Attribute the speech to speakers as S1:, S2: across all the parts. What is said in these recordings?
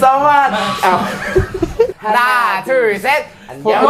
S1: สวัสดีอ้าว
S2: หน้าถือเซต
S1: เดี๋ยว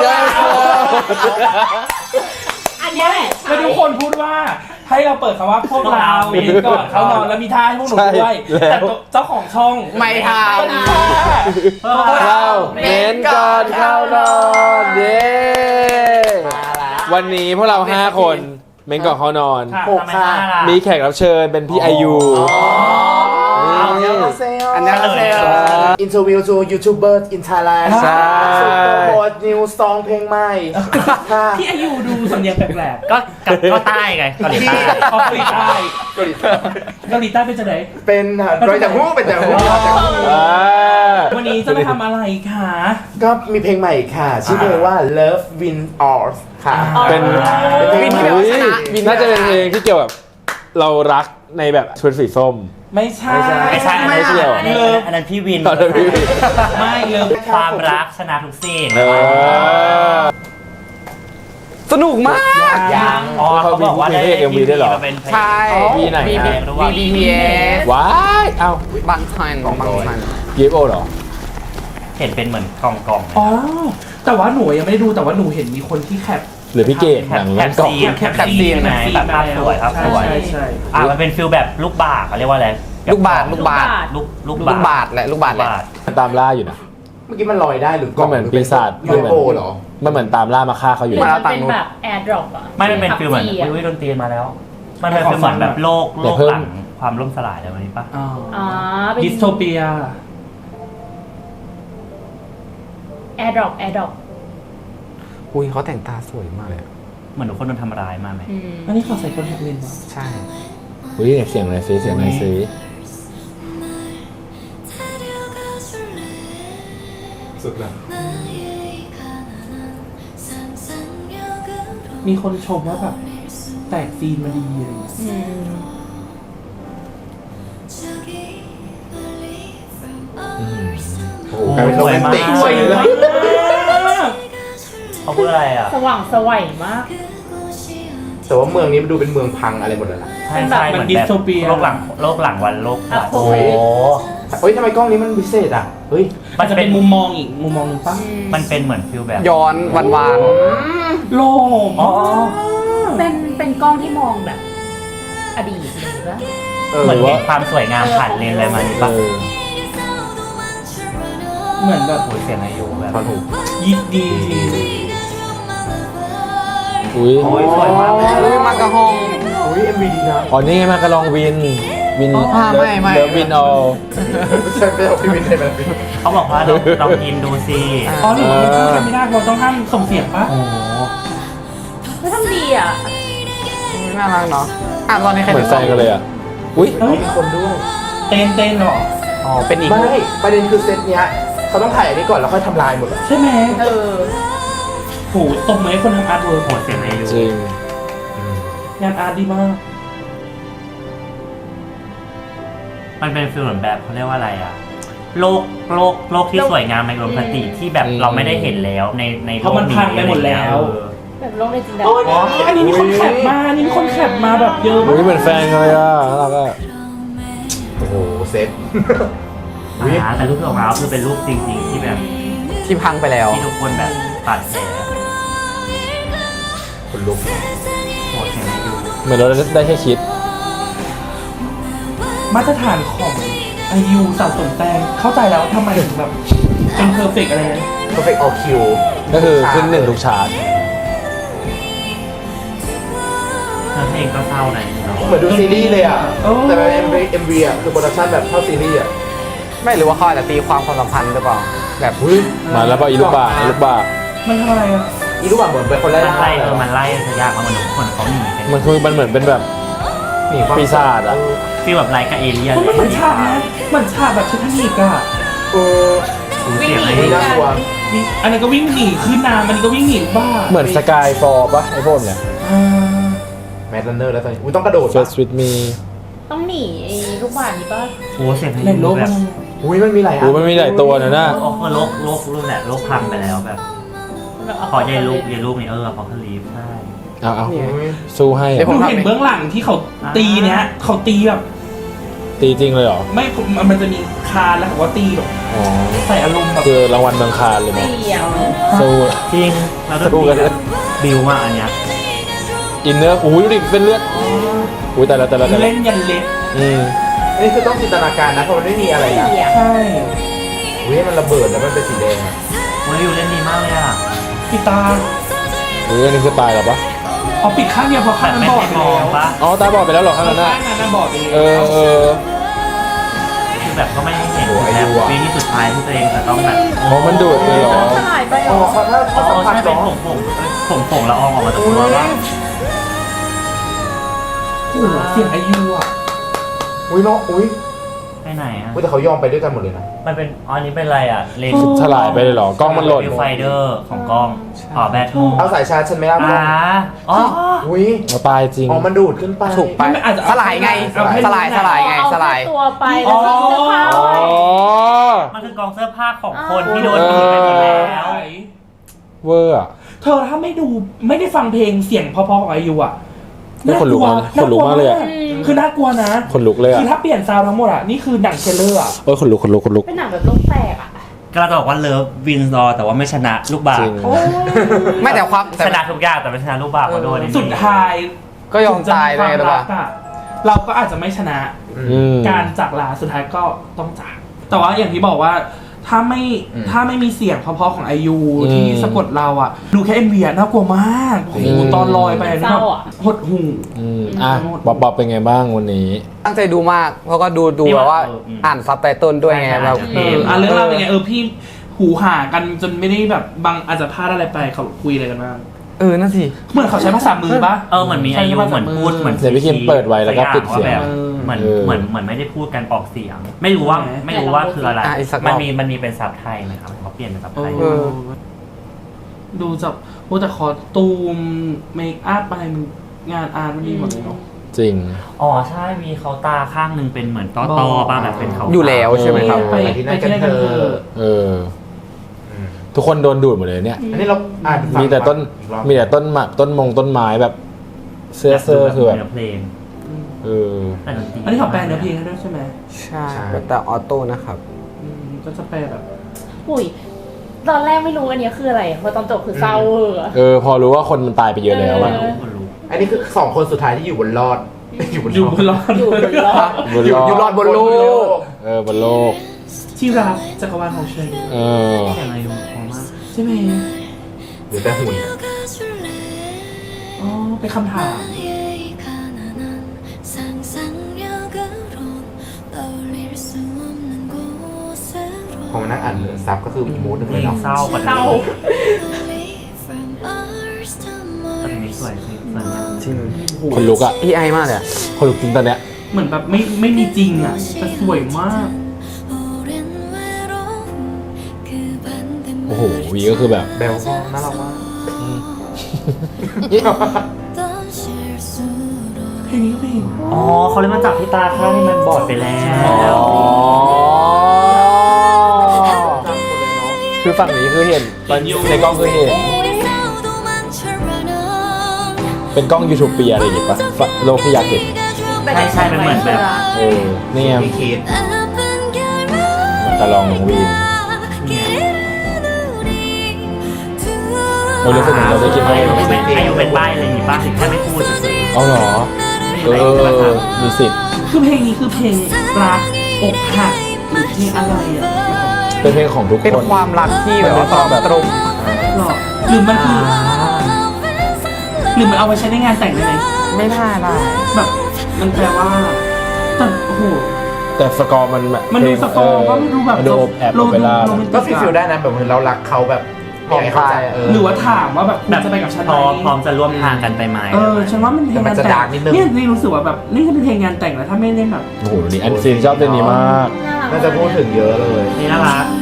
S3: อันนี้แหละ
S4: แล้วทุกคนพูดว่าให้เราเปิดคำว่าพวกเราเองก่อนเขานอนแล้วมีท่าให้พวกหนูด้วยแต่เจ้าของช่อง
S2: ไม่ท
S4: พวก
S1: เราเน้นก่อนเข้านอนเย้วันนี้พวกเรา5คนเม้นก่อนเข้านอน
S4: ค่ะ
S1: 6ค่ะมีแขกรับเชิญเป็นพี่ไอยู
S2: ำอันนี้ก็เซล
S1: Interview to YouTubers in Thailand
S2: ใช่
S1: โปรโมทนิวซองเพลงใหม่ค่ะ
S4: ที่อายุดูสำเนียงแปลก
S5: ก็ใต้ไงเกาหลีใต้
S4: ๆเกาหลีใต้เกาหลีใต้เป็นจะไหน
S1: เป็นโดยจากหูเป็นจากหู
S4: วันนี้จะมาทำอะไรคะ
S1: ก็มีเพลงใหม่ค่ะ ชื่อเพลงว่า Love Win All ค่ะ
S2: เป็น
S1: เพลงใหม่
S2: น่าจะเป็นเพลง
S6: ที่เกี่ยวกับเรารักในแบบชุดสีส้ม
S4: ไม่ใช่
S5: ไม่ใช่
S6: ไม่เกี่ยว
S5: อันนั้นพี่วิน
S6: อันนั้นพี่วิน
S4: ไม่เลย
S5: ความรักชนะทุกสิ่ง
S2: สนุกมาก
S4: ยัง
S5: อ๋อเขาบอกว่าได้
S6: มีเพลง MV ด้วยเหรอ
S5: มาเป็นเพลง
S2: ใช่
S6: มีไหน
S2: BBS
S6: ว้ายเอ้า
S2: บางทันบางทัน
S6: ยิปโอเหรอ
S5: เห็นเป็นเหมือนกล่องๆ
S4: อ๋อแต่ว่าหนูยังไม่ได้ดูแต่ว่าหนูเห็นมีคนที่แคป
S6: หรือพี่เกดหนัง
S5: แค
S6: เล่
S5: ป
S6: นกล่อง
S5: ซีนแคปซีนไหนแบบภาพสวยครับสวย
S4: ใช่ใช่
S5: มันเป็นฟิลแบบลูกบาศก์เขาเรียกว่าอะไร
S2: ลูกบาท
S5: ลูกบาศก์
S2: แหละลูกบาทแหละ
S6: ตามล่าอยู่นะ
S1: เมื่อกี้มันลอยได้หรือ
S6: ก็เหมือนปีศาจ
S1: ยูโอเหรอ
S6: มันเหมือนตามล่ามาฆ่าเขาอยู่
S3: มัน
S6: นะ
S3: เป็นแบบแอร์ดรอปอะ
S5: ไม่มันเป็นฟิลเหมือนอุ้ยดนตรีมาแล้ว มันเป็นฟิลเหมือนแบบโลกหลังความล่มสลายอะไรแบบนี้ปะ
S4: อ๋อ
S3: อ๋อเป็น
S4: ดิสโทเปีย
S3: แอร์ดรอปแอร์ดรอป
S2: อุ้ยเขาแต่งตาสวยมากเลย
S5: เหมือนทุกคนโดนทำร้ายมาไหม
S4: อันนี้เขาใส่คอนแทคเลนส์เหรอ
S2: ใช่
S6: อุ้ยเสียงอะไรซิเสียงอะไรซิ
S1: สุดละ
S4: มีคนชมว่าแบบแตกซีนมาดีอะไรอย่างเงี้ย
S1: โอ้โหกลายเป็นโรแมนติก
S4: สวย
S1: เลย
S4: มาก
S5: เขาพูดอะไรอ่ะ
S3: สว่างสวัยมาก
S1: แต่ว่าเมืองนี้มันดูเป็นเมืองพังอะไรหมดเลยล่ะ
S5: ใช่ใช่เหมือนแบบโลกหลังวันโลก
S3: โอ้โห
S1: เฮ้ยทำไมกล้องนี้มันพิเศษอ่ะ เฮ้ย
S4: มันจะเป็นมุมมองอีกมุมมองหนึงปะ
S5: มันเป็นเหมือนฟิลแบบ
S2: ย้อนวาน
S4: โล่ง
S5: อ๋อ
S3: เป็นกล้องที่มองแบบ อดีตเลยปะ
S5: เหมือนเห็นความสวยงามผ่านเลนอะไรมานี่
S6: เอ
S5: ปะ
S6: อ
S4: เหมือนแบบ
S5: โอ้ยเสียงอายุแบบ
S1: ตอนหู
S4: ยิบดีจริง
S6: อุ้ย
S5: โอ้ยสวยมากเลย
S2: อุ้ยมากระห้อง
S1: อุ้ย MV ดีนะ
S6: อ๋อนี่ไงมากระลองวินวิน
S2: ไม่
S6: เดอะวินเอา
S1: ใช่ไม่เอาพี่วินเลยแบบนี้
S5: เขาบอกว่าลองกินดูสิ
S4: อ๋อหนูไม่พูดกันไม่ได้เราต้องห้ามส่งเสียงปะ
S6: โอ้โห
S3: ไม่ทำดีอ่ะ
S2: น่ารักเนาะอ่ะตอนนี้ใคร
S6: เหมือนแฟนกันเลยอ่ะอุ้ย
S4: เฮ้ย
S1: มีคนด้วย
S4: เต้นหรอ
S2: อ๋อเป็นอีก
S1: ไม่ประเด็นคือเซตเนี้ยเขาต้องถ่ายอันนี้ก่อนแล้วค่อยทำลายหมดอะ
S4: ใช่ไหม
S3: เออ
S4: โหตรงไหมคนทำอาร์ตเวิร์ก
S5: โอ้ยเสียงอายุ
S6: จริง
S4: งานอาร์ตดีมาก
S5: มันเป็นฟิลเหมือนแบบเขาเรียกว่าอะไรอ่ะโลกที่สวยงามในอุดมคติที่แบบเราไม่ได้เห็นแล้วในโล
S4: เพราะ
S5: ก
S4: มัน
S5: นี้
S4: พังไปหมดแล้ว
S3: แบบโลกในจินตนา
S4: โอ้ย
S3: การ
S4: อันนี้มีคนแคปมาอันนี้มีคนแคปมาแบบเยอะมา
S6: อุ้ยเหมื
S4: ก
S6: อนแฟนกันเลยอ่ะน่ารักอ่ะ
S1: โอ้โหเซต
S5: แต่รูปของเราคือเป็นรูปจริงๆที่แบบ
S2: ที่พังไปแล้ว
S5: ที่ทุกคนแบบตัดแผล
S1: คนลุก
S5: โอ้ยเสียงอายุ
S6: เหมือนเราได้แค่คิด
S4: มาตรฐานของอายุสะสมแต้มเข้าใจแล้วทำไมถึงแบบเป็นเพอร์เฟกอะไรนะ
S1: perfect all Q
S6: ก็คือขึ้นหนึ่งทุกฉาก
S5: แล้วเพลงก็เศร้านะ
S1: เหมือนดูซีรีส์เลยอ่ะ แต่เป็น MV อ่ะคือโปรดักชั่นแบบเข้าซีรีส์อ่ะ
S2: ไม่หรือว่าเขาอาจจะตีความสัมพันธ์หรือเปล่าแบบ
S6: มาแล้วก็อีลูกบาอีลูกบา
S4: มันทำอะไรอ่ะ
S1: อีลูกอ่ะเหมือนเป็นคนไล่
S5: มัน
S1: ล่า
S5: ไล่มันไล่ทะยากมาเหมือนทุกคนเขาหนีกัน
S6: มันคือมันเหมือนเป็นแบบ
S1: หนีความ
S6: ปีศาจอ่ะ
S5: ฟีลแบบไล่กับเอเลี่ยน
S4: มันเหมือนฉากนะเหมือนฉากแบบเทคนิคอะ
S1: เออ
S5: เสียงอา
S1: ไม่
S5: ยุ
S1: น่ากลัว
S4: อันนี้นก็วิ่งหนีขึ้นน้ำอันนี้ก็วิ่งหนีบ้า
S6: เหมือนสกายฟอร์ปะไอ้พวกเนี่ย
S4: อ่า
S1: แมดลันเนอร์แล้วตอนนี้อุ้ยต้องกระโดด
S6: First with me
S3: ต้องหนีไอ้ลูกบาศก์นี้ป่ะ
S5: โอ้เสียงอา
S4: ใน
S5: ยุ
S4: โลก
S5: แบ
S4: มั
S5: บ
S4: น
S1: อุ้ยมันมีหลายอั
S6: โอ้มันมีหลายตัวนะน่ะ
S5: โอ้คือโลกรุ่นแหละโลกพังไปแล้วแบบพอใหญ่ลูกนี่พอเขาลีฟใช่
S6: เอา
S1: อุ้ย
S6: สู้ให้
S4: ผมเห็นเบื้องหลังที่เขาตีเนี้ยเขาตีแบบ
S1: ตีจริงเลยเหรอ
S4: ไม่มันจะมีคานแล้วเขาก็ตีแบบ
S1: อ๋อ
S4: ใส่อารมณ์แบบ
S1: คือรางวัลเมืองคานเลยไหม
S3: เสี่ยว
S1: สู้
S5: จริงเราต้อง
S1: สู้กันเลย
S5: บิวมาอันเนี้ย
S1: อินเนอร์อุ้ยดูดิเป็นเลือดอุ้ยแต่ละ
S4: เล่นยันเล็บ
S2: อันนี้คือต้องจินตนาการนะเพราะมันไม่มีอะไรนะ
S3: เสี่ยว
S4: ใช่
S2: อุ้ยมันระเบิดแล้วมันเป็นสีแดงอะ
S5: วันนี้อยู่เล่นดีมากเลยอ่ะ
S4: ปิดตา
S1: อุ้ยอันนี้คือตายแล้วปะ
S4: เอาปิดข้างเดียวเพราะ
S5: แบ
S4: ข้าง
S5: บ
S4: นั้น
S5: ไม่
S4: บอด
S5: ให้
S4: ไป
S5: มอง
S4: แล้ว
S5: ปะ
S1: อ๋อตาบอดไปแล้วเหรอข้างนั้น
S4: ข้า
S1: น่ะ
S4: งนั้นบอดไปแล้ว
S1: เออ
S5: คือแบบก็ไม่ให้เห็นแบบวิธีสุดท้ายที่ตัวเองจะต้องแบบ
S1: อ๋อมันดูดเลยเหรอ
S3: สลายไปเหร
S2: อ๋อ
S3: อ
S2: เขาถ้า
S5: อ๋
S2: เขา
S5: อ
S2: สัมผัส
S5: ใช่เป็น
S2: เนาะ
S5: ผงละอองออกมาจากตัวว่า
S4: โอ้โหเสียงอายุอ่ะ
S2: อุ้ยเนาะอุ้ย
S5: ไปไหนอ่ะ
S2: อุ้ยแต่เขายอมไปด้วยกันหมดเลยนะ
S5: มันเป็นอันนี้เป็นอะไรอ่ะเลน
S1: ถลายไปเลยเหรอกล้องมันหล่น
S5: วิวไฟเดอร์ของกล้องอ๋อแบทโม
S2: เอาสายชาร์จฉันไหมล่ะ
S5: อ๋อ
S2: อุ้ย
S1: เอาตายจริง
S2: อ๋อมันดูดขึ้นไป
S7: ถูกไป
S4: มันอาจจะ
S7: สลายไง
S4: เอาให้
S7: สลายสลายไง
S3: เอา
S7: สลาย
S3: แค่ตัวไปแล้วก็เสื้อผ้า
S1: อ๋อ
S3: ไว้
S5: มันคือกองเสื้อผ้าของคนที่โดนดูดไปหมดแล้ว
S1: เวอร์อะ
S4: เธอถ้าไม่ได้ฟังเพลงเสียงเพราะๆของอายุอ่ะ
S1: นี่ขนลุกมากขนลุกมากเลยอะ
S4: คือน่ากลัวนะ
S1: ขนลุกเลย
S4: คื
S1: อะ
S4: อถ้าเปลี่ยนซาวด์ทั้งหมดอ่ะนี่คือหนังเทรลเลอร์อ่ะ
S1: เออขนลุก
S3: เป็นหนังแบบโลกแตกอ่ะ
S5: ก็เราจะบอกว่าเลิฟวินซอร์แต่ว่าไม่ชนะลูกบา
S1: จ
S5: ศ
S1: ริ
S5: ก์
S1: ง
S7: ไม่แต่ความแต่
S5: ชนะทุกอย่างแต่ไม่ชนะลูกบาศก์มาโดน
S4: สุดท้าย
S7: ก็ยอมตายเลยหรือเปล่า
S4: ถึงจะมีความรักอะเราก็อาจจะไม่ชนะ
S1: อืม
S4: การจากลาสุดท้ายก็ต้องจาก แต่ว่าอย่างที่บอกว่าถ้าไม่มีเสียงเพราะๆของไอยูที่สะกดเราอ่ะ ดูแค่ MV อะน่ากลัวมากโอ้โหตอนลอยไปนี่แบบหดหู
S1: อ่ะบ๊อบเป็นไงบ้างวันนี้
S7: ตั้งใจดูมาก เพราะก็ดูแบบว่าอ่านซับไตเติลด้วยไงแบบ
S4: เรื่องราวเป็นไงพี่หูหากันจนไม่ได้แบบบางอาจจะพลาดอะไรไปเขาคุยอะไรกันบ้าง
S7: นั่นสิ
S4: เหมือนเขาใช้ภาษามือปะ
S5: เหมือนมีอายุเหมือนพูดเหมือน
S1: เดี๋ยวพี่คิมเปิดไว้แล้วก็ปิดเสียง
S5: แบบเหมือนไม่ได้พูดกันออกเสียง ไม่รู้ว่าคืออะไร
S7: อีกสักร
S5: มั
S7: อน บ
S5: มีเป็นซับไทยไหมครับเขาเปลี่ยนเป็นซับไทย
S4: ดูจากโอ้แต่คอตูมเมคอัพอะไรมันงานอาร์ตมันดีหมดเลยเนาะ
S1: จริง
S5: อ๋อใช่มีเขาตาข้างหนึ่งเป็นเหมือนต้อป่ะแบบเป็นเขา
S7: อยู่แล้วใช่ไหมครับ
S4: ไปที่นั่นกันเถอะ
S1: เออ ทุกคนโดนดูดหมดเลยเนี่ย
S2: อันนี้เราอ่านฟัง
S1: มีแต่ต้น
S2: อีกรอบ
S1: มีแต่ต้นหมากต้นไม้แบบเสื้อคือแบบ
S5: เนื้อเพลง
S1: เออ
S5: แต่ดนตรี
S4: อันนี้เขาแปลเนื้อเพลงให้ด้วยใช่ไหม
S7: ใช่แต่ออโต้นะครับ
S4: ก็จะแปลแบบ
S3: อุ้ยตอนแรกไม่รู้อันเนี้ยคืออะไรเพราะตอนจบคือเศร้าอะ
S1: พอรู้ว่าคนมันตายไปเยอะแล้วอะ
S5: คนรู้
S2: อันนี้คือ2 คนสุดท้ายที่อยู่บนรอด อยู่บน
S4: อยู่บนรอด
S3: อยู่บนรอด
S2: อยู่รอดบนโลก
S1: บนโลก
S4: ที่รักจักรวาลของฉัน
S5: เสียงอะไรอยู่ของมาก
S4: ใช่ไหม
S2: หรือแต่หุ่น
S4: อ๋อเป็นคำถาม
S2: พอมานั่งอ่านซับก็คืออีกมูดหนึง
S5: เพ
S2: เล
S5: ล
S2: ย
S5: ง
S2: เนาะ
S5: เศร้ากว่า
S3: เศร้า
S5: แต่เพลงนี้สวยมาก
S7: จริง
S1: คนลุกอะ
S7: AI มากเลยอะ
S1: คนลุกจริงตอนเนี้ย
S4: เหมือนแบบไม่มีจริงอ่ะแต่สวยมาก
S1: โอ้โหวีก็คือแบบ
S2: เบลก็น่ารักมาก
S4: เพลงนี้ก็เพลง
S5: อ๋อเขาเลยมาจับที่ตาข้างที่มันบอดไปแล้ว
S1: คือฝั่งนี้คือเห็นตอนในกล้องคือเห็น เป็นกล้องยูทูปเปียอะไรอย่างงี้ปะฝั่งโลกที่อยากเห็น
S5: ใช่เป็นเหมือนแบบ
S1: นี่ไง
S2: พี่คิด
S1: มันจะลองน้องวีนเรารู้สึกเหมือนเราได้กิน
S5: อายุเป็นใบอะไรอย่างงี้ป่ะแค่ไม่พูดเฉย
S1: เอาเหรอ มีสิทธิ์
S4: คือเพลงนี้คือเพลงรักอกหักหรือเพลงอะไรอ่ะ
S1: เป็นเพลงของทุกคน
S7: เป็นความรักที่แบบว่าตรงตรง
S4: หรอหรือมันคือหรือมันเอาไปใช้ในงานแต่งได้ไหม
S7: ไม่น่าได้
S4: แบบมันแปลว่าแต่โอ้โห
S1: แต่สกอร์มันแบบ
S4: มันดูสกอร์ก็ดูแบบ
S1: มันดูแอบโอเปร่า
S4: โรแมนติ
S2: ก็ฟีลได้นะแบบเหมือนเรารักเขาแบบไม่อยากให้เขาใจ
S4: หรือว่าถามว่าแบบคุณจะไปกับฉันไห
S5: พร้อ
S4: ม
S5: มจะร่วมทางกันไปไหม
S4: ฉันว่ามันเพลงงานแต่งนี่รู้สึกว่าแบบนี่จะเป็นเพลงงานแต่งแล้วถ้าไม่เล่นแบบ
S1: โอ้โหนี่อันซีนชอบเพลงนี้มาก
S2: น่าจะพูดถึงเยอะเลย
S5: นี่น่ารัก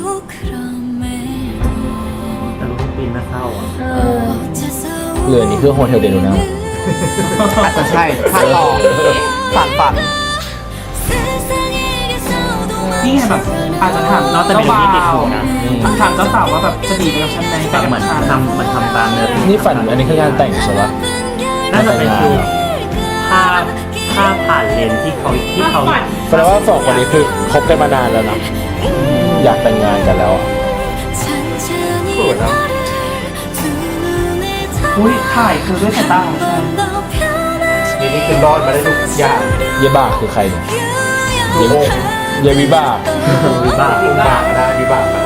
S5: แต่รู้ปีนไม่เข้าอ่ะ
S1: เรือนี้คือโฮเทลเดลูน่า
S7: อาจจะใช่ภาคต่อฝัน
S4: นี่ไงแบบอาจจะถาม
S5: นอกจาก
S4: เจ้า
S5: เป็น
S4: บ่า
S5: ที่ติด
S4: ว
S5: หูนะ
S4: ถามเจ้าสาวว่าแบบจะดีไปกับฉันไหม
S5: แต่เหมือนทำตามเนื้อเพลง
S1: นี่ฝันอันนี้คืองานแต่งใช่ปะ
S5: น่าจะเป็นภาภาพผ่านเลนส์ที่เขา
S6: แปลว่าสองคนนี้คือคบกันมานานแล้วนะอยากแต่งงานกันแล้วอะ
S4: อุ้ยถ่ายคือด้วยสายตาของฉัน
S2: นี่คือรอดมาได้ทุกอย่าง
S6: เยบากคือใครเนี่ยเยวิบาก
S2: วิบากนะวิบากนะ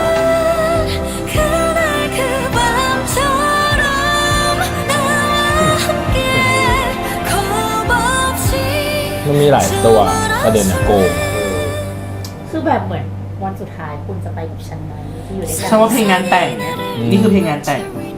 S6: มันมีหลายตัวประเด็นอะโกง
S3: คือแบบเหมือนวันสุดท้ายคุณจะไปกับฉันไหมที่อยู่ด้วยกัน
S4: ฉันว่าเพลงงานแต่งนี่คือเพลงงานแต่ง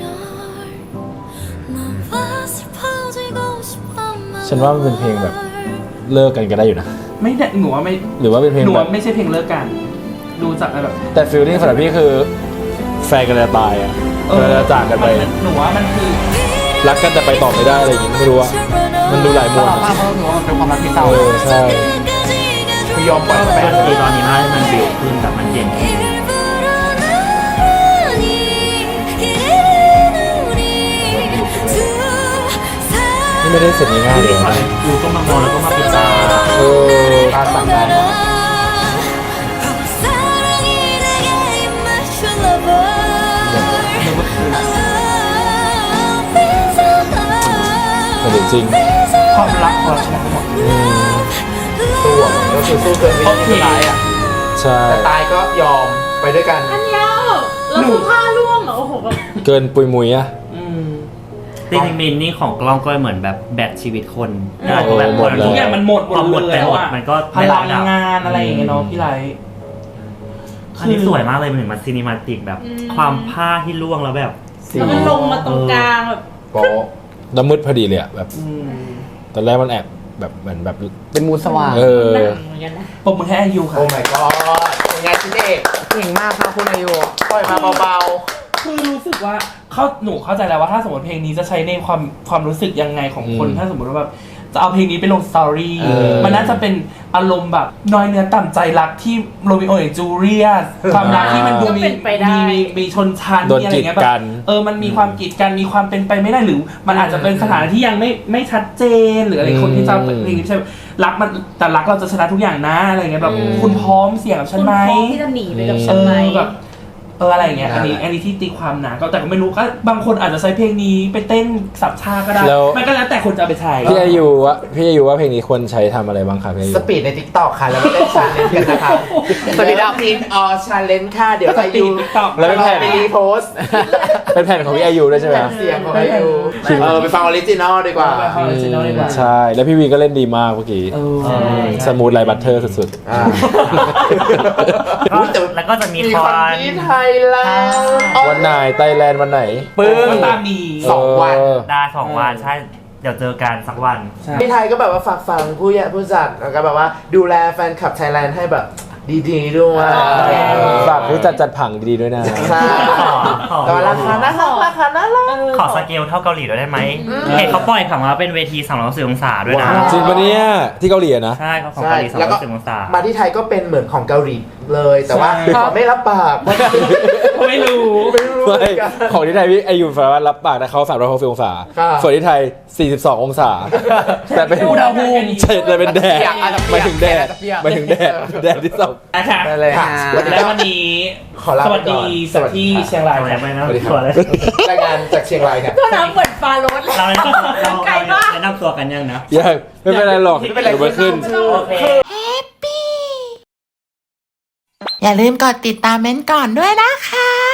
S6: ฉันว่ามันเป็นเพลงแบบเลิกกันก็ได้อยู่นะ
S4: ไม่ได้หนูว่าไม่
S6: หรือว่าเป็นเพลง
S4: หนู
S6: แบ
S4: ว่า
S6: บ
S4: ไม่ใช่เพลงเลิกกัน ดูจากแบบ
S6: แต่ฟีลลิ่งสำหรับพี่คือแฟนกันจะตายอะจะจากกันไป
S4: หนูว่ามันคือ
S6: รักกันแต่ไปต่อไม่ได้อะไรอย่างงี้ไม่รู้อะมันดูหลาย
S7: ต
S6: มุ
S7: ล
S6: ม
S7: อดมากเพราะหนูว่ามันเป็นความรักที่เศร้า
S6: ใช่
S2: ไม่ยอมปล่อยแฟน
S5: ดนตรีตอนนี้มันบิวขึ้นแบบมันเย็นขึ้น
S6: นี่ไม่ได้เสร็จง่ายๆเลยนะ
S5: ดูก็มามองแล้วก็มาปิดตา
S2: ตาสั่งได้นะ
S6: แต่จริง
S4: ความรักของเราชนะหมด
S2: ตัวก็คือสู้เกินวิธีสุดท้ายอ่ะ
S6: ใช่
S2: แต่ตายก็ยอมไปด้วยกัน
S3: อันเดียวแล้วคือผ้าร่วงเหรอโอ้โหแบบ
S6: เกินปุยมุยอะ
S5: จริงๆมินนี่ของกล้องก็เหมือนแบบแบตชีวิตคน
S6: เออ
S5: แบบ
S6: หมดเลย
S4: ทุกอย่างมันหมด
S5: พอหมด
S4: เลย
S5: ไปหมด
S4: อะ
S5: มันก็
S4: พลังงานอะไรอย่างเงี้ยเนาะพี่ไร
S5: อันนี้สวยมากเลยมันถึงมาซีนิมาติกแบบความผ้าที่ร่วงแล้วแบบ
S3: แล้วมันลงมาตรงกลางแบบ
S2: โป๊ะ
S6: แล้วมืดพอดีเลยอะแบบ
S4: อืม
S6: ตอนแรกมันแอบแบบเหมือนแบบ
S7: เป็นมูลสว่าง
S6: เออ
S3: หนังเหมือนกันนะ
S4: ปรบมือให้อายุค่ะ
S2: โอ้ my god เป็นไงชินเอก
S7: เก่งมากครับคุณอายุ
S2: ปล่อยมาเบา
S4: คือรู้สึกว่าหนูเข้าใจแล้วว่าถ้าสมมติเพลงนี้จะใช้ในความรู้สึกยังไงของคน
S6: อืม
S4: ถ้าสมมติว่าแบบจะเอาเพลงนี้ไปลงสตอรี่
S6: เออ
S4: มันน่าจะเป็นอารมณ์แบบน้อยเนื้อต่ำใจรักที่โรมิโอและจูเลียสความรักที่มันดูมีชนชั้น
S6: โดน
S4: มีอะไร
S6: กีด
S4: เงี้ยแบ
S6: กับ น
S4: มันมีความกีดกันมีความเป็นไปไม่ได้หรือ มันอาจจะเป็นสถานะที่ยังไม่ชัดเจนหรืออะไรคนที่จะเพลงนี้ไม่ใช่รักมันแต่รักเราจะชนะทุกอย่างนะอะไรเงี้ยแบบคุณพร้อมเสี่ยงกับฉันไหม
S3: คุณพร้อมที่จะหนีไปกับฉันไหม
S4: แบบอะไรอย่างเงี้ยอันนี้ที่ตีความนะก็แต่ก็ไม่รู้ก็บางคนอาจจะใช้เพลงนี้ไปเต้นสับชาก็ได้
S6: แล้ว
S4: มันก็แล้วแต่คนจะเอาไปใช้
S6: พี่อายุว่าเพลงนี้ควรใช้ทำอะไรบ้างครับพี่อา
S2: ๆ
S6: ยุ
S2: สปีดใน TikTok ค่ะ แล้วก็เล่นชาเลนจ์กันนะคะสปีดอัพทีมออชาเลนจ์ค่ะ เดี๋ยวอายุ
S6: แล้วเป็นแผ่น
S2: ไปรีโพสต์
S6: เป็นแผ่นของพี่อายุด้วยใช่ไหม
S2: แผ่นเสียงของอายุไปฟังออริจินอลดีกว่า
S4: ไปฟัง original ดีกว่า
S6: ใช่แล้วพี่วีก็เล่นดีมากเมื่อกี้
S4: ใช่
S6: สมูทไลท์บัตเตอร์สุด
S2: อ่า
S5: แล้วก็จะมี
S2: มี
S5: ค
S2: ค
S5: อ
S2: อน
S5: น
S2: ที่ไทยแล้ว
S6: ๆ วันไหนไทยแลนด์วันไหน
S4: ปึ้งก็ตามนี้
S2: สองวัน
S5: ได้2 วันใช่ เดี๋ยวเจอกันสักวัน
S2: ที่ไทยก็แบบว่าฝากฟังผู้จัดแล้วก็แบบว่าดูแลแฟนคลับไทยแลนด์ให้แบบดีๆด้วย
S6: ฝากผู้จัดผังดีๆด้วยนะ
S2: ใช่แต่ว่าราคาน่ารัก
S5: ขอสเกลเท่าเกาหลีด้วยได้ไหมเห็นเขาปล่อยผังมาเป็นเวที360องศาด้วยนะ
S6: จริงปะเนี่ยที่เกาหลีอะนะ
S5: ใช่เขาของ
S2: ใช่
S5: เกาหลี
S2: แล้วก็
S5: 360องศา
S2: มาที่ไทยก็เป็นเหมือนของเกาหลีเลย แต่ว่าขอไม่รับปาก
S4: ไม่รู้
S6: ไม่ของที่ไทยพี่อายุสามารถรับปากนะเขา360องศา
S2: ครับ
S6: ส่วนที่ไทย42องศา แต่เป็น
S4: อุณหภูมิ
S6: ใช่แต่เป็นแดด
S7: อาจจะเปี
S6: หมาย
S7: ก
S6: ถึงแดด
S7: อาจจะเปียก
S6: หมายถึงแดดแดดที่สอง
S4: นะคะ
S7: ได้เลย
S2: ค่ะ
S4: และวันนี้
S2: ขอลา
S4: ส
S2: ไป
S4: วัส
S2: ก่
S4: ดี
S2: อน
S4: จากที่เชียงราย
S5: ทำอะไร
S4: ค่ะ
S5: ไม่นะ
S2: สวัสดีค
S5: ตั
S2: รั
S5: วเลย
S2: รายงานจากเชียงรายครับ
S3: ก็น้ำเหมือนฟาโรสเลย
S5: เรา
S3: ไกลมาก
S5: แนะนำตัวกันยังนะ
S6: ยังไม่เป็นไรหรอกเดี๋ยวมันขึ้น
S5: โอเค
S8: อย่าลืมกดติดตามเม้นท์ก่อนด้วยนะคะ